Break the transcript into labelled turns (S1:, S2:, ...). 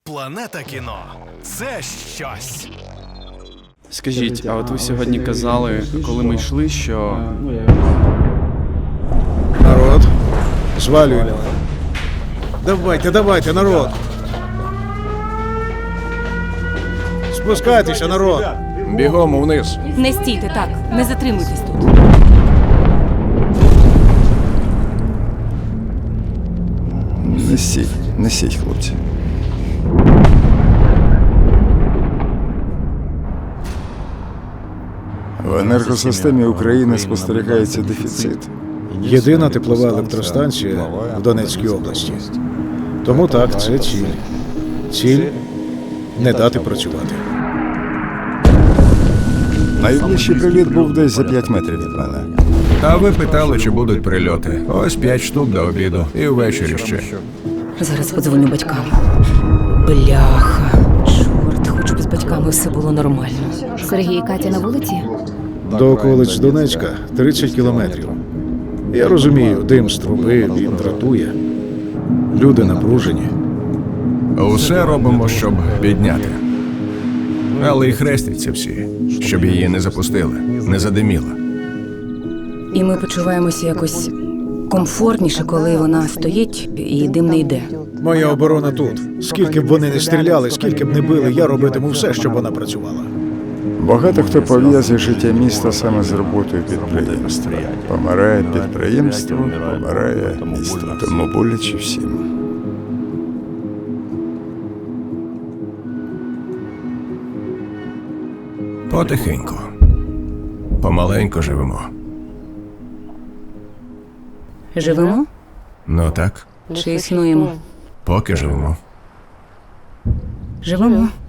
S1: Планета кіно – це щось.
S2: Скажіть, а от ви сьогодні казали, коли ми йшли, що...
S3: Народ, звалюємо. Давайте, народ. Спускайтеся, народ.
S4: Бігом вниз.
S5: Не стійте так, не затримуйтесь тут.
S4: Несіть, хлопці. В енергосистемі України спостерігається дефіцит.
S3: Єдина теплова електростанція в Донецькій області. Тому так, це ціль. Ціль – не дати працювати.
S4: Найближчий приліт був десь за 5 метрів від мене.
S6: А ви питали, чи будуть прильоти. Ось 5 штук до обіду. І ввечері ще.
S5: Зараз подзвоню батькам. Бляха. Чорт, хоч би з батьками все було нормально.
S7: Сергій і Катя на вулиці?
S3: До околиць Донецька 30 кілометрів. Я розумію, дим з труби, він дратує. Люди напружені.
S6: Усе робимо, щоб підняти. Але і хрестяться всі, щоб її не запустили, не задиміла.
S5: І ми почуваємося якось комфортніше, коли вона стоїть і дим не йде.
S3: Моя оборона тут. Скільки б вони не стріляли, скільки б не били, я робитиму все, щоб вона працювала.
S4: Багато хто пов'язує життя міста саме з роботою підприємства. Помирає підприємство, помирає місто. Тому боляче всім.
S6: Потихеньку. Помаленьку живемо.
S5: Живемо?
S6: Ну так,
S5: Чи існуємо?
S6: поки живемо.
S5: Живемо.